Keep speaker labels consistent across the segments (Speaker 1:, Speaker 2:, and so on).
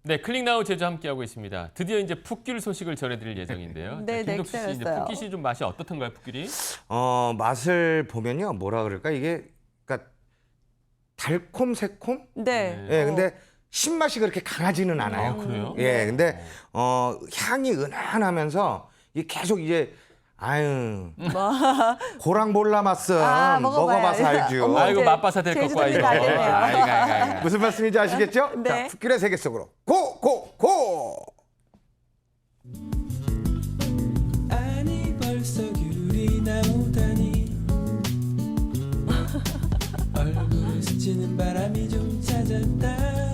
Speaker 1: 네, 클릭나우 제주 함께하고 있습니다. 드디어 이제 풋귤 소식을 전해드릴 예정인데요.
Speaker 2: 네, 네,
Speaker 1: 김덕수 씨, 이제
Speaker 2: 기다렸어요.
Speaker 1: 풋귤이 좀 맛이 어떻던가요, 풋귤이?
Speaker 3: 맛을 보면요, 뭐라 그럴까 이게 그러니까 달콤 새콤.
Speaker 2: 네.
Speaker 3: 예, 근데 신맛이 그렇게 강하지는 않아요.
Speaker 1: 그래요?
Speaker 3: 예, 근데 향이 은은하면서 이게 계속 이제 아유 고랑 몰라맛은 먹어봐서 알죠.
Speaker 2: 어머,
Speaker 1: 아이고
Speaker 2: 이제
Speaker 1: 맛봐서 될 것과
Speaker 2: 제주도
Speaker 1: 이거.
Speaker 2: 가야겠네요.
Speaker 1: 아이고.
Speaker 3: 무슨 말씀인지 아시겠죠?
Speaker 2: 네.
Speaker 3: 자, 풋귤의 세계 속으로 고!
Speaker 4: 아니 벌써 귤이 나오다니 얼굴을 스치는 바람이 좀 찾았다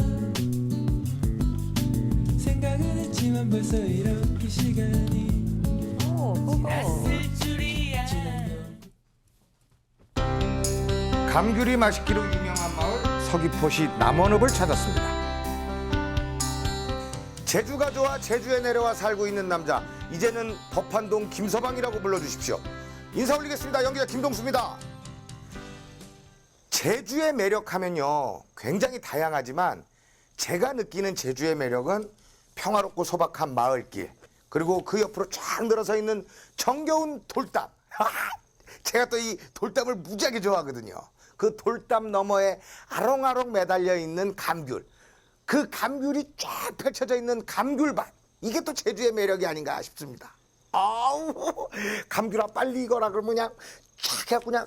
Speaker 4: 생각은 했지만 벌써 이렇게 시간이
Speaker 2: 고고.
Speaker 4: 줄이야
Speaker 3: 감귤이 맛있기로 유명한 마을 서귀포시 남원읍을 찾았습니다. 제주가 좋아 제주에 내려와 살고 있는 남자, 이제는 법한동 김서방이라고 불러주십시오. 인사 올리겠습니다. 연기자 김동수입니다. 제주의 매력하면요 굉장히 다양하지만 제가 느끼는 제주의 매력은 평화롭고 소박한 마을길, 그리고 그 옆으로 쫙 늘어서 있는 정겨운 돌담. 제가 또 이 돌담을 무지하게 좋아하거든요. 그 돌담 너머에 아롱아롱 매달려 있는 감귤, 그 감귤이 쫙 펼쳐져 있는 감귤밭, 이게 또 제주의 매력이 아닌가 싶습니다. 아우, 감귤아 빨리 익어라 그러면 그냥 쫙 해갖고 그냥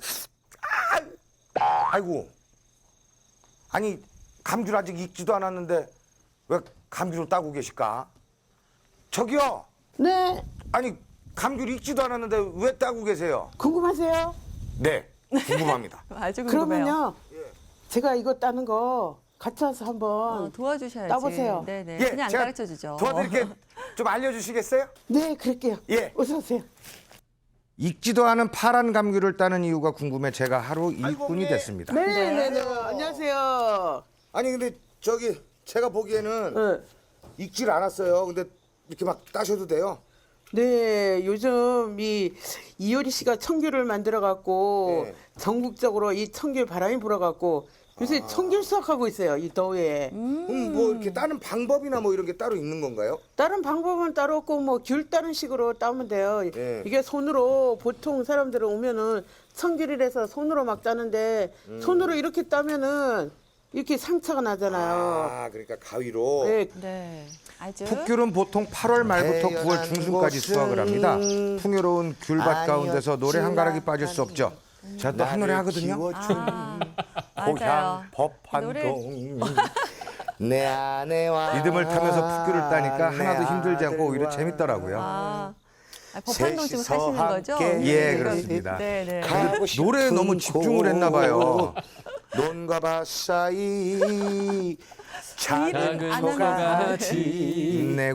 Speaker 3: 아이고, 아니 감귤 아직 익지도 않았는데 왜 감귤을 따고 계실까? 저기요.
Speaker 5: 네,
Speaker 3: 아니 감귤 익지도 않았는데 왜 따고 계세요?
Speaker 5: 궁금하세요?
Speaker 3: 네, 궁금합니다.
Speaker 2: 아주 궁금해요.
Speaker 5: 그러면요, 제가 이거 따는 거 같이 와서 한번.
Speaker 2: 도와주셔야지.
Speaker 5: 따보세요.
Speaker 2: 네네.
Speaker 3: 예,
Speaker 2: 그냥 안
Speaker 3: 제가
Speaker 2: 가르쳐 주죠.
Speaker 3: 도와드릴게. 좀 알려주시겠어요?
Speaker 5: 네, 그럴게요.
Speaker 3: 예.
Speaker 5: 어서 오세요.
Speaker 3: 익지도 않은 파란 감귤을 따는 이유가 궁금해 제가 하루 일꾼이
Speaker 5: 네.
Speaker 3: 됐습니다.
Speaker 5: 네. 안녕하세요.
Speaker 3: 아니 근데 저기 제가 보기에는
Speaker 5: 네.
Speaker 3: 익질 않았어요. 근데 이렇게 막 따셔도 돼요?
Speaker 5: 네, 요즘 이효리 씨가 청귤을 만들어 갖고
Speaker 3: 네.
Speaker 5: 전국적으로 이 청귤 바람이 불어 갖고 요새 청귤 수확하고 있어요. 이 더위에.
Speaker 3: 그럼 뭐 이렇게 따는 방법이나 뭐 이런 게 따로 있는 건가요?
Speaker 5: 다른 방법은 따로 없고 뭐 귤 따는 식으로 따면 돼요.
Speaker 3: 네.
Speaker 5: 이게 손으로 보통 사람들은 오면은 청귤이라서 손으로 막 따는데 손으로 이렇게 따면은 이렇게 상처가 나잖아요.
Speaker 3: 아, 그러니까 가위로.
Speaker 5: 네.
Speaker 2: 네. 아주.
Speaker 3: 풋귤은 보통 8월 말부터 9월 중순까지 수확을 합니다. 풍요로운 귤밭 가운데서 노래 한 가락이 빠질 수 없죠. 제가 또 한 노래 하거든요.
Speaker 2: 맞아요.
Speaker 3: 법한동 내 아내와 리듬을 타면서 풋귤을 따니까 내 하나도 힘들지 않고 오히려
Speaker 5: 아들과
Speaker 3: 재밌더라고요.
Speaker 2: 법한동 지금 사시는 거죠?
Speaker 3: 함께
Speaker 5: 예,
Speaker 3: 그렇습니다.
Speaker 2: 네네.
Speaker 3: 근데 노래에 너무 집중을 했나 봐요. 논과 밭 사이 작은
Speaker 2: 안
Speaker 3: 소같이 내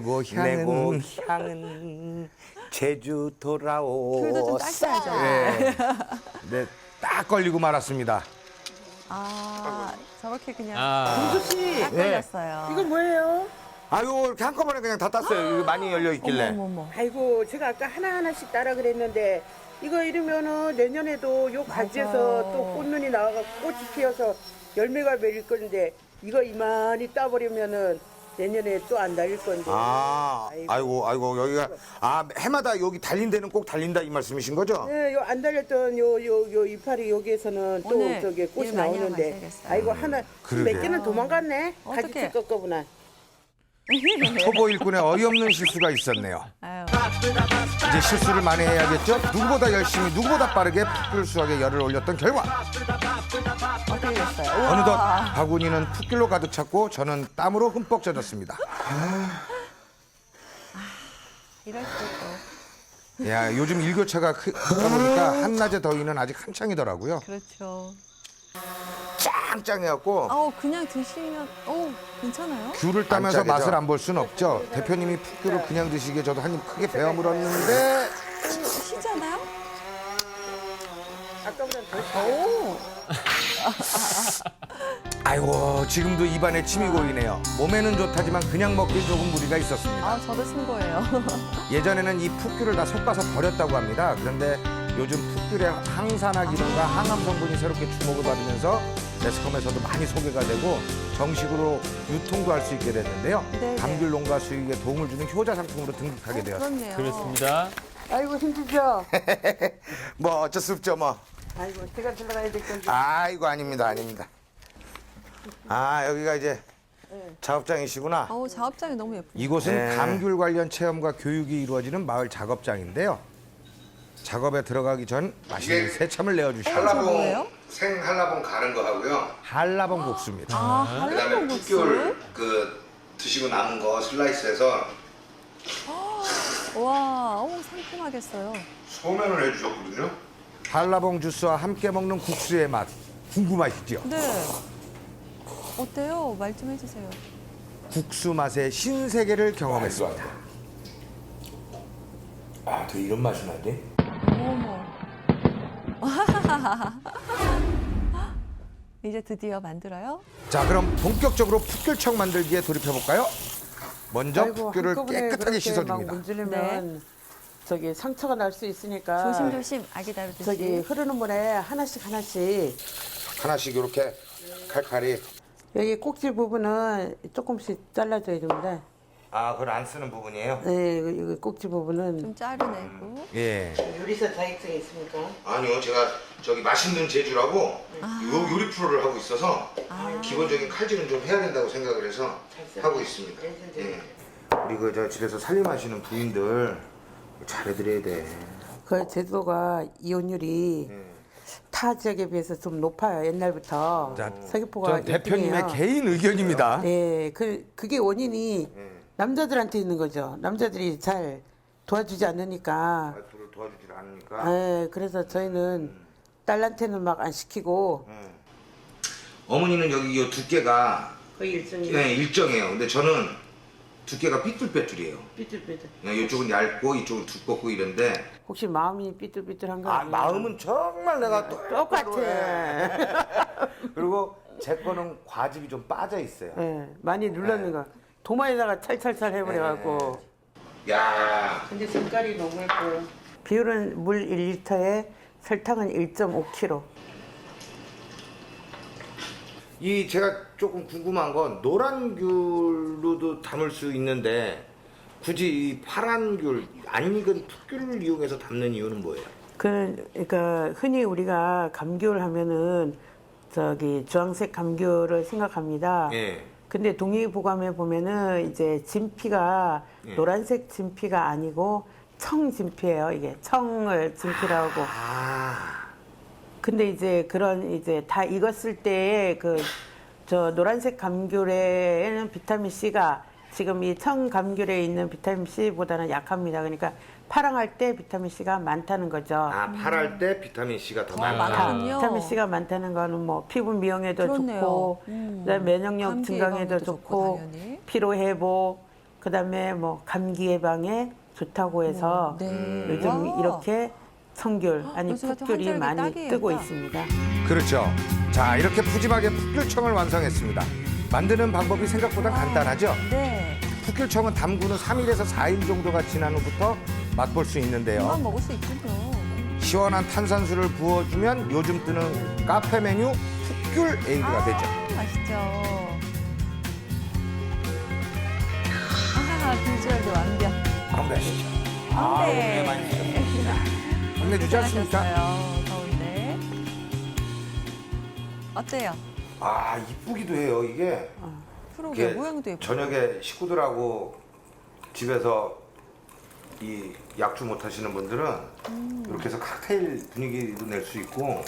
Speaker 3: 고향은 제주
Speaker 2: 귤도 좀
Speaker 3: 돌아오.
Speaker 2: 따셔야죠.
Speaker 3: 네, 딱 걸리고 말았습니다.
Speaker 2: 저렇게 그냥
Speaker 5: 동수 씨,
Speaker 2: 딱 걸렸어요.
Speaker 5: 이거 뭐예요?
Speaker 3: 아유, 이렇게 한꺼번에 그냥 다 땄어요. 이거 많이 열려 있길래.
Speaker 2: 어머머머.
Speaker 5: 아이고, 제가 아까 하나하나씩 따라 그랬는데 이거 이러면은 내년에도 요 가지에서 또 꽃눈이 나와서 꽃이 피어서 열매가 맺을 건데 이거 이만히 따버리면은 내년에 또 안 달릴 건데.
Speaker 3: 아이고, 여기가 해마다 여기 달린 데는 꼭 달린다 이 말씀이신 거죠?
Speaker 5: 네, 요 안 달렸던 요 이파리 여기에서는 또
Speaker 2: 오늘
Speaker 5: 저기 꽃이
Speaker 2: 일 많이
Speaker 5: 나오는데.
Speaker 2: 하고 가셔야겠어요.
Speaker 5: 아이고 하나
Speaker 3: 그러게.
Speaker 5: 몇 개는 도망갔네.
Speaker 2: 어떡해.
Speaker 5: 가지 찔 거구나.
Speaker 3: 초보 일꾼의 어이없는 실수가 있었네요.
Speaker 2: 아유.
Speaker 3: 이제 실수를 많이 해야겠죠? 누구보다 열심히, 누구보다 빠르게 풋귤 수확에 열을 올렸던 결과
Speaker 2: 어떻게 됐어요?
Speaker 3: 어느덧
Speaker 2: 우와.
Speaker 3: 바구니는 풋귤로 가득 찼고 저는 땀으로 흠뻑 젖었습니다.
Speaker 2: 이럴 수도 있고.
Speaker 3: 야, 요즘 일교차가 크다 보니까 한낮의 더위는 아직 한창이더라고요.
Speaker 2: 그렇죠.
Speaker 3: 짱짱해갖고
Speaker 2: 그냥 드시면 괜찮아요?
Speaker 3: 귤을 따면서
Speaker 6: 반짝이죠?
Speaker 3: 맛을 안 볼 수는 없죠. 대표님이 풋귤을 그냥 드시기에 저도 한 입 크게 베어 물었는데
Speaker 2: 시잖아요?
Speaker 5: 아까보다 더.
Speaker 3: 아이고, 지금도 입안에 침이 고이네요. 몸에는 좋다지만 그냥 먹기 조금 무리가 있었습니다.
Speaker 2: 저도 신고해요.
Speaker 3: 예전에는 이 풋귤을 다 솎아서 버렸다고 합니다. 그런데 요즘 풋귤의 항산화 기능과 항암 성분이 새롭게 주목을 받으면서 매스컴에서도 많이 소개가 되고 정식으로 유통도 할 수 있게 됐는데요.
Speaker 2: 네네.
Speaker 3: 감귤 농가 수익에 도움을 주는 효자 상품으로 등극하게 되었습니다.
Speaker 2: 그렇네요.
Speaker 1: 그렇습니다.
Speaker 5: 아이고 힘들죠?
Speaker 3: 뭐 어쩔 수 없죠 뭐.
Speaker 5: 아이고 제가 들어가야 될 건데.
Speaker 3: 아이고 아닙니다 아닙니다. 아 여기가 이제 작업장이시구나.
Speaker 2: 어우, 작업장이 너무 예쁘네요.
Speaker 3: 이곳은 감귤 관련 체험과 교육이 이루어지는 마을 작업장인데요. 작업에 들어가기 전 맛있는 새참을 내어주시고
Speaker 2: 저 뭐예요?
Speaker 3: 생한라봉 가는 거 하고요. 한라봉 국수입니다.
Speaker 2: 아,
Speaker 3: 그다음에
Speaker 2: 한라봉 국수?
Speaker 3: 풋귤 드시고 남은 거 슬라이스해서
Speaker 2: 와, 어우, 상큼하겠어요.
Speaker 3: 소면을 해주셨거든요. 한라봉 주스와 함께 먹는 국수의 맛 궁금하시죠?
Speaker 2: 네. 어때요? 말 좀 해주세요.
Speaker 3: 국수 맛의 신세계를 경험했습니다. 아, 또 이런 맛이 나지?
Speaker 2: 어머. 이제 드디어 만들어요?
Speaker 3: 자, 그럼 본격적으로 풋귤청 만들기에 돌입해 볼까요? 먼저 풋귤을
Speaker 5: 한꺼번에
Speaker 3: 깨끗하게
Speaker 5: 그렇게 막
Speaker 3: 씻어줍니다.
Speaker 5: 문지르면 저기 상처가 날 수 있으니까
Speaker 2: 조심조심 아기 다루듯이.
Speaker 5: 저기 흐르는 물에 하나씩
Speaker 3: 하나씩 이렇게 칼칼이.
Speaker 5: 여기 꼭지 부분은 조금씩 잘라줘야 됩니다.
Speaker 3: 아, 그걸 안 쓰는 부분이에요?
Speaker 5: 네, 이거 꼭지 부분은
Speaker 2: 좀 자르내고.
Speaker 3: 예.
Speaker 5: 요리사 자격증이 있습니까?
Speaker 3: 아니요, 제가 저기 맛있는 제주라고 요리 프로를 하고 있어서 기본적인 칼질은 좀 해야 된다고 생각을 해서 하고 있습니다. 예. 우리 그 저 집에서 살림하시는 부인들 잘해드려야 돼.
Speaker 5: 그 제주도가 이혼율이 타 지역에 비해서 좀 높아요. 옛날부터.
Speaker 3: 자,
Speaker 5: 서귀포가
Speaker 3: 전 대표님의
Speaker 5: 1등이에요.
Speaker 3: 개인 의견입니다.
Speaker 5: 네, 그게 원인이 남자들한테 있는 거죠. 남자들이 잘 도와주지 않으니까.
Speaker 3: 와이프를 도와주질 않으니까.
Speaker 5: 네, 그래서 저희는 딸한테는 막 안 시키고.
Speaker 3: 어머니는 여기 이 두께가
Speaker 5: 거의 일정이
Speaker 3: 일정해요. 근데 저는 두께가 삐뚤빼뚤이에요.
Speaker 5: 삐뚤삐뚤.
Speaker 3: 이쪽은 얇고 이쪽은 두껍고 이런데.
Speaker 5: 혹시 마음이 삐뚤삐뚤한 거
Speaker 3: 아,
Speaker 5: 아니에요?
Speaker 3: 마음은 정말 내가
Speaker 5: 똑같아.
Speaker 3: 그리고 제 거는 과즙이 좀 빠져 있어요.
Speaker 5: 네, 많이 눌렀는 거. 도마에다가 찰찰찰 해버려갖고.
Speaker 3: 야,
Speaker 5: 근데 색깔이 너무 예뻐요. 비율은 물 1리터에 설탕은 1.5kg.
Speaker 3: 이 제가 조금 궁금한 건 노란 귤로도 담을 수 있는데 굳이 이 파란 귤, 안 익은 풋귤을 이용해서 담는 이유는 뭐예요?
Speaker 5: 그러니까 흔히 우리가 감귤 하면은 저기 주황색 감귤을 생각합니다.
Speaker 3: 예.
Speaker 5: 근데 동의보감에 보면은 이제 진피가 노란색 진피가 아니고 청진피예요. 이게 청을 진피라고.
Speaker 3: 아,
Speaker 5: 근데 이제 그런 이제 다 익었을 때의 저 노란색 감귤에는 비타민 C가 지금 이 청 감귤에 있는 비타민 C보다는 약합니다. 그러니까 파랑할 때 비타민 C가 많다는 거죠.
Speaker 3: 아, 파랄 때 비타민 C가 더 많다.
Speaker 2: 많군요.
Speaker 5: 비타민 C가 많다는 거는 뭐 피부 미용에도
Speaker 2: 그렇네요.
Speaker 5: 좋고, 그다음에 면역력
Speaker 2: 감기
Speaker 5: 증강에도
Speaker 2: 예방에도
Speaker 5: 좋고,
Speaker 2: 당연히.
Speaker 5: 피로 회복, 그다음에 뭐 감기 예방에 좋다고 해서
Speaker 2: 네.
Speaker 5: 요즘
Speaker 2: 와.
Speaker 5: 이렇게 청귤 아니
Speaker 2: 요즘 같은
Speaker 5: 풋귤이
Speaker 2: 환절기
Speaker 5: 많이
Speaker 2: 딱이에요,
Speaker 5: 뜨고
Speaker 2: 딱.
Speaker 5: 있습니다.
Speaker 3: 그렇죠. 자, 이렇게 푸짐하게 풋귤청을 완성했습니다. 만드는 방법이 생각보다 간단하죠?
Speaker 2: 네.
Speaker 3: 풋귤청은 담근 후 3일에서 4일 정도가 지난 후부터 맛볼 수 있는데요.
Speaker 2: 금방 먹을 수 있군요.
Speaker 3: 시원한 탄산수를 부어주면 요즘 뜨는 카페 메뉴 풋귤 에이드가 되죠.
Speaker 2: 맛있죠. 비주얼도 완벽.
Speaker 3: 건배하시죠.
Speaker 2: 네.
Speaker 3: 많이 드셨습니다. 건네주지 않습니까?
Speaker 2: 잘하셨어요. 더운데. 어때요?
Speaker 3: 아, 이쁘기도 해요. 이게
Speaker 2: 그러게 모양도 예쁘고.
Speaker 3: 저녁에 식구들하고 집에서 이 약주 못 하시는 분들은 이렇게 해서 칵테일 분위기도 낼 수 있고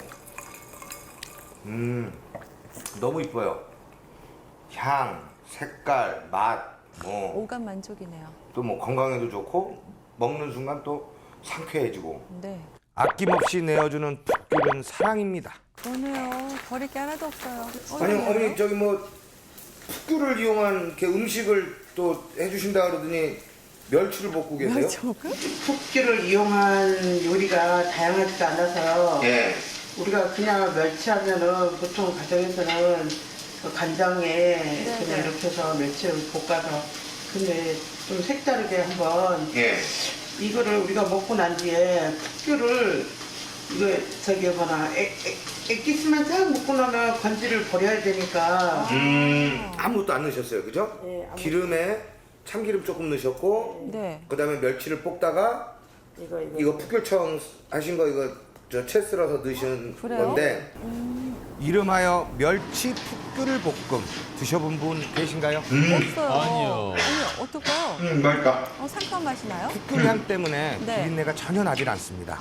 Speaker 3: 너무 이뻐요. 향, 색깔, 맛, 뭐
Speaker 2: 오감 만족이네요.
Speaker 3: 또 뭐 건강에도 좋고 먹는 순간 또 상쾌해지고
Speaker 2: 네.
Speaker 3: 아낌없이 내어주는 풋귤은 사랑입니다.
Speaker 2: 그러네요. 버릴 게 하나도 없어요.
Speaker 3: 아니
Speaker 2: 어머니.
Speaker 3: 어머니 저기 뭐 풋귤을 이용한 이렇게 음식을 또 해주신다 그러더니 멸치를 볶고 계세요?
Speaker 5: 풋귤을 이용한 요리가 다양하지도 않아서
Speaker 3: 예.
Speaker 5: 우리가 그냥 멸치하면은 보통 가정에서는 그 간장에 그냥 이렇게 해서 멸치를 볶아서 근데 좀 색다르게 한번
Speaker 3: 예.
Speaker 5: 이거를 우리가 먹고 난 뒤에 풋귤을 이거 저기 여봐라 액기스만 싹 묻고 나면 건지를 버려야 되니까
Speaker 3: 아무것도 안 넣으셨어요, 그죠?
Speaker 5: 네, 아무것도.
Speaker 3: 기름에 참기름 조금 넣으셨고,
Speaker 2: 네.
Speaker 3: 그다음에 멸치를 볶다가 이거 풋귤청 하신 거 이거 저 채 썰어서 넣으신
Speaker 2: 그래요?
Speaker 3: 건데 이름하여 멸치 풋귤 볶음 드셔본 분 계신가요?
Speaker 2: 없어요.
Speaker 1: 아니요.
Speaker 2: 아니, 어떨까요?
Speaker 3: 맛있다.
Speaker 2: 상큼한 맛이 나요?
Speaker 3: 풋귤 향 때문에
Speaker 2: 네.
Speaker 3: 비린내가 전혀 나질 않습니다.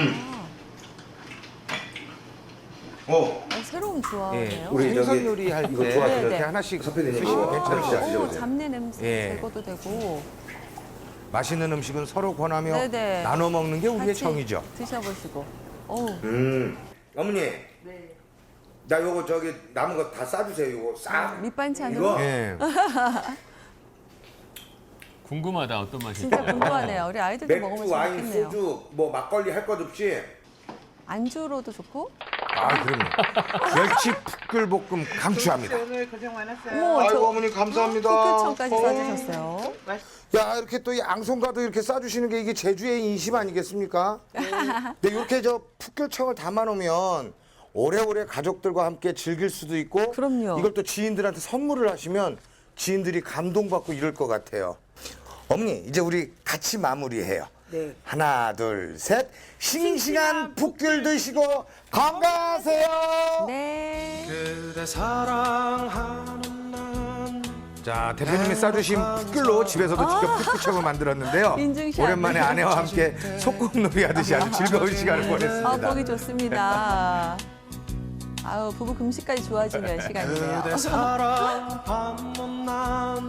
Speaker 2: 새로운
Speaker 3: 예,
Speaker 2: 조합이네요.
Speaker 3: 우리 생선 요리 할 때
Speaker 2: 네,
Speaker 3: 이렇게
Speaker 2: 네.
Speaker 3: 하나씩 드시면 괜찮으시죠?
Speaker 2: 잡내 냄새
Speaker 3: 예.
Speaker 2: 제거도 되고
Speaker 3: 맛있는 음식은 서로 권하며
Speaker 2: 네네.
Speaker 3: 나눠 먹는 게 우리의
Speaker 2: 같이
Speaker 3: 정이죠.
Speaker 2: 드셔보시고. 어우,
Speaker 3: 어머니,
Speaker 5: 네.
Speaker 3: 나 요거 저기 남은 거 다 싸주세요. 요거 싹.
Speaker 2: 밑반찬으로
Speaker 3: 이거. 예.
Speaker 1: 궁금하다 어떤 맛일지.
Speaker 2: 진짜 궁금하네요. 우리 아이들도
Speaker 3: 맥주,
Speaker 2: 먹으면
Speaker 3: 와인,
Speaker 2: 재밌겠네요.
Speaker 3: 소주, 뭐 막걸리 할 것 없이.
Speaker 2: 안주로도 좋고.
Speaker 3: 아, 그럼요. 멸치 풋귤볶음 강추합니다.
Speaker 5: 오늘 고생 많았어요.
Speaker 2: 어머,
Speaker 3: 아이고 어머니 감사합니다.
Speaker 2: 풋귤청까지 싸주셨어요.
Speaker 3: 야 이렇게 또 이 앙송가도 이렇게 싸주시는 게 이게 제주의 인심 아니겠습니까? 근데 이렇게 저 풋귤청을 담아놓으면 오래오래 가족들과 함께 즐길 수도 있고
Speaker 2: 그럼요.
Speaker 3: 이걸 또 지인들한테 선물을 하시면 지인들이 감동받고 이럴 것 같아요. 어머니 이제 우리 같이 마무리해요.
Speaker 5: 네.
Speaker 3: 하나 둘 셋 싱싱한 풋귤 드시고 건강하세요.
Speaker 2: 네.
Speaker 4: 그대 사랑하는 난
Speaker 3: 자 대표님이 싸주신 풋귤로 집에서도 직접 풋귤청을 만들었는데요.
Speaker 2: 인증샷.
Speaker 3: 오랜만에 아내와 함께 소꿉놀이 하듯이 아주 즐거운 시간을 보냈습니다.
Speaker 2: 보기 좋습니다. 아우, 부부 금식까지 좋아지는 시간이네요.
Speaker 4: 그대 사랑 받는 난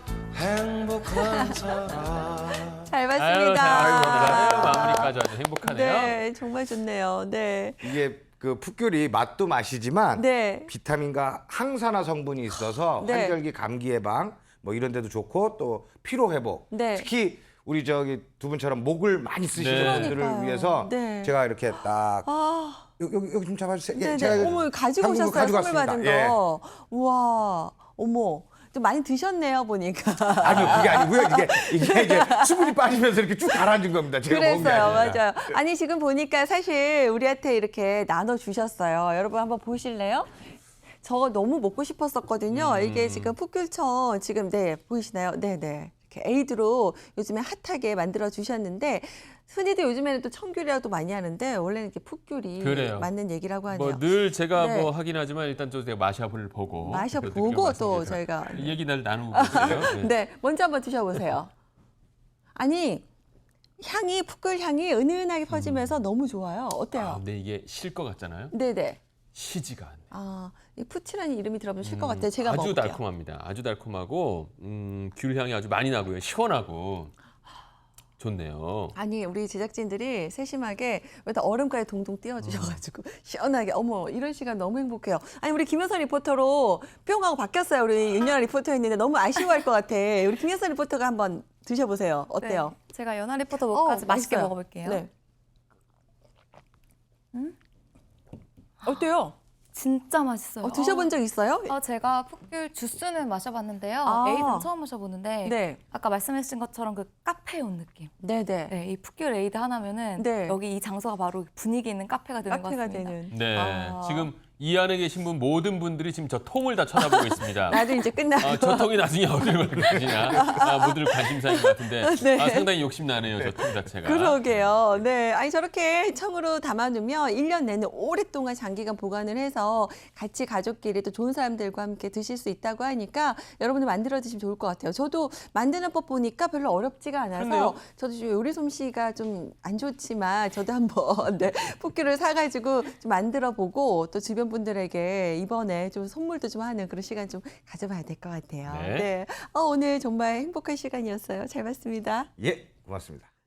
Speaker 4: 행복한 사람
Speaker 2: 잘
Speaker 1: 아유,
Speaker 2: 봤습니다.
Speaker 1: 아유, 마무리까지 아주 행복하네요.
Speaker 2: 네, 정말 좋네요. 네.
Speaker 3: 이게 그 풋귤이 맛도 맛이지만
Speaker 2: 네.
Speaker 3: 비타민과 항산화 성분이 있어서
Speaker 2: 네.
Speaker 3: 환절기 감기 예방 뭐 이런 데도 좋고 또 피로 회복.
Speaker 2: 네.
Speaker 3: 특히 우리 저기 두 분처럼 목을 많이 쓰시는
Speaker 1: 네.
Speaker 3: 분들을
Speaker 2: 그러니까요.
Speaker 3: 위해서
Speaker 2: 네.
Speaker 3: 제가 이렇게 딱
Speaker 2: 아,
Speaker 3: 여기 좀 잡아주세요. 예,
Speaker 2: 네네.
Speaker 3: 제가
Speaker 2: 어머, 가지고
Speaker 3: 한국을
Speaker 2: 오셨어요.
Speaker 3: 가지고
Speaker 2: 선물 받은
Speaker 3: 왔습니다. 예.
Speaker 2: 거. 우와, 어머. 좀 많이 드셨네요, 보니까.
Speaker 3: 아니요 그게 아니고요. 이게 이제 수분이 빠지면서 이렇게 쭉 가라앉은 겁니다. 제가 먹은 게
Speaker 2: 그랬어요,
Speaker 3: 아니라.
Speaker 2: 맞아요. 아니, 지금 보니까 사실 우리한테 이렇게 나눠주셨어요. 여러분 한번 보실래요? 저거 너무 먹고 싶었었거든요. 이게 지금 풋귤청 지금 네 보이시나요? 네네. 이렇게 에이드로 요즘에 핫하게 만들어 주셨는데 흔히들 요즘에는 또 청귤이라도 많이 하는데 원래는 이렇게 풋귤이
Speaker 1: 그래요.
Speaker 2: 맞는 얘기라고 하네요.
Speaker 1: 뭐 늘 제가
Speaker 2: 네.
Speaker 1: 뭐 하긴 하지만 일단 좀 제가 마셔볼 보고
Speaker 2: 마셔보고
Speaker 1: 그래도
Speaker 2: 또
Speaker 1: 말씀드려서
Speaker 2: 저희가
Speaker 1: 이 얘기 날 나누고 있어요. 네.
Speaker 2: 네, 먼저 한번 드셔보세요. 아니 향이 풋귤 향이 은은하게 퍼지면서 너무 좋아요.
Speaker 1: 아,
Speaker 2: 어때요?
Speaker 1: 근데 이게 실 것 같잖아요.
Speaker 2: 네네.
Speaker 1: 시지가 않네.
Speaker 2: 아, 이 푸치라는 이름이 들어보면 쉴 것 같아요. 제가
Speaker 1: 아주
Speaker 2: 먹을게요.
Speaker 1: 달콤합니다. 아주 달콤하고 귤 향이 아주 많이 나고요. 시원하고 좋네요.
Speaker 2: 아니 우리 제작진들이 세심하게 여기다 얼음까지 동동 띄워주셔가지고 시원하게 어머 이런 시간 너무 행복해요. 아니 우리 김효선 리포터로 뿅 하고 바뀌었어요. 우리 윤연아 리포터였는데 너무 아쉬워할 것 같아. 우리 김효선 리포터가 한번 드셔보세요. 어때요?
Speaker 6: 네, 제가 연하 리포터 목까지 맛있게
Speaker 2: 맛있어요.
Speaker 6: 먹어볼게요.
Speaker 2: 네. 어때요?
Speaker 6: 진짜 맛있어요.
Speaker 2: 드셔본 적 있어요?
Speaker 6: 제가 풋귤 주스는 마셔봤는데요.
Speaker 2: 아.
Speaker 6: 에이드는 처음 마셔보는데
Speaker 2: 네.
Speaker 6: 아까 말씀해주신 것처럼 그 카페 온 느낌.
Speaker 2: 네네.
Speaker 6: 네, 이 풋귤 에이드 하나면은
Speaker 2: 네.
Speaker 6: 여기 이 장소가 바로 분위기 있는 카페가 되는 것
Speaker 2: 카페가
Speaker 6: 같습니다.
Speaker 2: 되는.
Speaker 1: 네,
Speaker 2: 아.
Speaker 1: 지금 이 안에 계신 분 모든 분들이 지금 저 통을 다 쳐다보고 있습니다.
Speaker 2: 나도 이제 끝나고.
Speaker 1: 저 통이 나중에 어디로 갈 것이냐. 모두를 관심사인 것 같은데
Speaker 2: 네.
Speaker 1: 상당히 욕심나네요. 저 통 자체가.
Speaker 2: 그러게요. 네. 아니, 저렇게 청으로 담아두면 1년 내내 오랫동안 장기간 보관을 해서 같이 가족끼리 또 좋은 사람들과 함께 드실 수 있다고 하니까 여러분들 만들어 드시면 좋을 것 같아요. 저도 만드는 법 보니까 별로 어렵지가 않아서
Speaker 1: 그러네요.
Speaker 2: 저도 좀 요리 솜씨가 좀 안 좋지만 저도 한번 네, 풋귤을 사가지고 좀 만들어 보고 또 주변 분들에게 이번에 좀 선물도 좀 하는 그런 시간 좀 가져봐야 될 것 같아요.
Speaker 1: 네.
Speaker 2: 네. 오늘 정말 행복한 시간이었어요. 잘 봤습니다.
Speaker 3: 예, 고맙습니다.